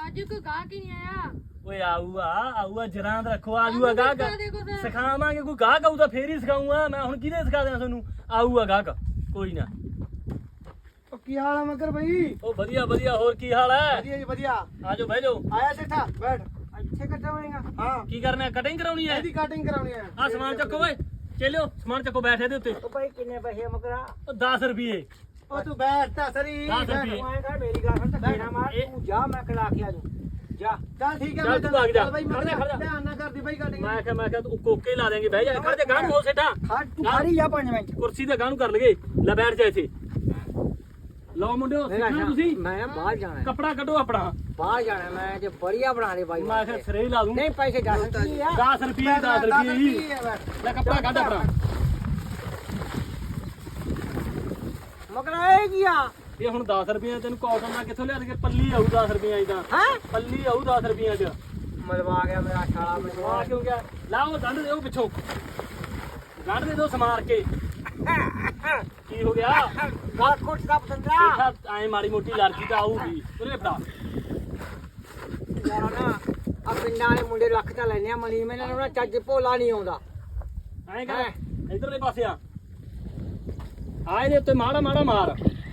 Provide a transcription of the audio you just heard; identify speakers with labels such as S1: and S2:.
S1: ਅੱਜ ਕੋਈ ਗਾਹਕ ਹੀ ਨਹੀਂ ਆਇਆ।
S2: ਓਏ ਆਊਗਾ ਜਰਾਂ ਦਾ ਰੱਖੋ ਆਜੂਗਾ ਗਾਹਕ ਸਿਖਾਵਾਂਗੇ ਕੋਈ ਗਾਹਕ ਆਊ ਤਾਂ ਫੇਰ ਹੀ ਸਿਖਾਊਂਗਾ ਮੈਂ ਹੁਣ ਕਿਹਦੇ ਸਿਖਾ ਦਿਆਂ ਤੁਹਾਨੂੰ ਆਊਗਾ ਗਾਹਕ ਕੋਈ ਨਾ
S3: ਉਹ ਕੀ ਹਾਲ ਆ ਮਗਰ ਬਈ?
S2: ਉਹ ਵਧੀਆ ਵਧੀਆ ਹੋਰ ਕੀ ਹਾਲ ਹੈ
S3: ਵਧੀਆ ਜੀ ਵਧੀਆ।
S2: ਆਜੋ ਬਹਿ ਜਾਓ
S3: ਆਇਆ ਸੇਠਾ ਬੈਠ। ਇੱਥੇ ਕੱਟਾਵੇਂਗਾ? ਹਾਂ
S2: ਕੀ ਕਰਨਾ ਕਟਿੰਗ ਕਰਾਉਣੀ ਹੈ
S3: ਇਹਦੀ ਕਟਿੰਗ ਕਰਾਉਣੀ ਆ।
S2: ਆ ਸਮਾਨ ਚੱਕੋ ਓਏ ਚੇਲਿਓ ਸਮਾਨ ਚੱਕੋ ਬੈਠ ਇਹਦੇ ਉੱਤੇ
S3: ਉਹ ਭਾਈ ਕਿੰਨੇ ਪੈਸੇ ਮਗਰਾ?
S2: ਉਹ 10 ਰੁਪਏ
S3: ਉਹ ਤੂੰ ਬੈਠ ਤਾਂ ਸਰੀ।
S2: 10 ਰੁਪਏ
S3: ਤੂੰ ਐਂ ਕਰ ਮੇਰੀ ਗੱਲ ਸੁਣ ਧੱਕੇ ਨਾ ਮਾਰ ਤੂੰ ਜਾ ਮੈਂ ਖਿਲਾ ਕੇ ਆ ਜੂ ਜਾ। ਚੱਲ ਠੀਕ ਹੈ
S2: ਚੱਲ ਤੂੰ ਭਾਗ ਜਾ।
S3: ਬਾਈ
S2: ਖੜ ਜਾ, ਖੜ ਜਾ।
S3: ਧਿਆਨ ਨਾ ਕਰਦੀ ਬਾਈ ਕਟਿੰਗ।
S2: ਮੈਂ ਕਿਹਾ ਤੂੰ ਕੋਕੇ ਹੀ ਲਾ ਦੇਂਗੇ ਬਹਿ ਜਾ ਖੜ ਜਾ ਗਾਂ ਨੂੰ ਹੋ ਸੇਠਾ
S3: ਤੂੰ ਖੜੀ ਜਾ 5 ਮਿੰਟ।
S2: ਕੁਰਸੀ ਤੇ ਗਾਂ ਨੂੰ ਕਰ ਲਗੇ ਲੈ ਬੈਠ ਜਾ ਇੱਥੇ ਲਓ ਮੁੰਡਿਓ ਸਿੱਖਣਾ ਤੁਸੀਂ
S3: ਮੈਂ ਬਾਹਰ ਜਾਣਾ
S2: ਕੱਪੜਾ ਕੱਢੋ ਆਪਣਾ
S3: ਬਾਹਰ ਜਾਣਾ ਮੈਂ ਜੇ ਬੜੀਆ ਬਣਾ ਦੇ ਬਾਈ।
S2: ਮੈਂ ਕਿਹਾ ਸਿਰੇ ਹੀ ਲਾ ਦੂੰ
S3: ਨਹੀਂ ਪੈਸੇ ਜਾ ਸਕਦੀ ਆ
S2: 10 ਰੁਪਏ 10 ਰੁਪਏ ਹੀ ਲੈ ਕੱਪੜਾ ਕੱਢ ਆਪਣਾ
S3: ਮਗਰਾ ਇਹ ਕੀ ਆ?
S2: ਇਹ ਹੁਣ 10 ਰੁਪਏ ਤੈਨੂੰ ਕਾਟਨ ਦਾ ਕਿੱਥੋਂ ਲਿਆ ਕੇ ਪੱਲੀ ਆਊ 10 ਰੁਪਏ ਦੀ ਤਾਂ
S3: ਹੈ
S2: ਪੱਲੀ ਆਊ 10 ਰੁਪਏ ਚ
S3: ਮਰਵਾ ਗਿਆ ਮੇਰਾ ਛਾਲਾ
S2: ਆ
S3: ਮਰਵਾ
S2: ਕਿਉਂ ਗਿਆ ਲਾਓ ਗੰਢ ਦਿਓ ਪਿੱਛੋਂ ਗੰਢ ਦੇ ਦੋ ਸਮਾਰ ਕੇ ਕੀ ਹੋ ਗਿਆ
S3: ਗੱਲ ਕੁੱਟ ਦਾ ਪਤੰਦਰਾ
S2: ਦੇਖਾ ਐ ਮਾੜੀ ਮੋਟੀ ਲੜਕੀ ਤਾਂ ਆਊਗੀ ਉਹਨੇ ਫੜਾ
S3: ਯਾਰ ਨਾ ਆ ਪਿੰਡਾਂ ਵਾਲੇ ਮੁੰਡੇ ਲੱਖ ਤਾਂ ਲੈਣੇ ਆ ਮਨੀ ਮੈਨਾਂ ਨੂੰ ਨਾ ਚੱਜ ਭੋਲਾ ਨਹੀਂ ਆਉਂਦਾ।
S2: ਐਂ ਕਰ ਇਧਰਲੇ ਪਾਸੇ ਆ ਇਹਦੇ ਉੱਤੇ ਮਾੜਾ ਮਾੜਾ ਮਾਰ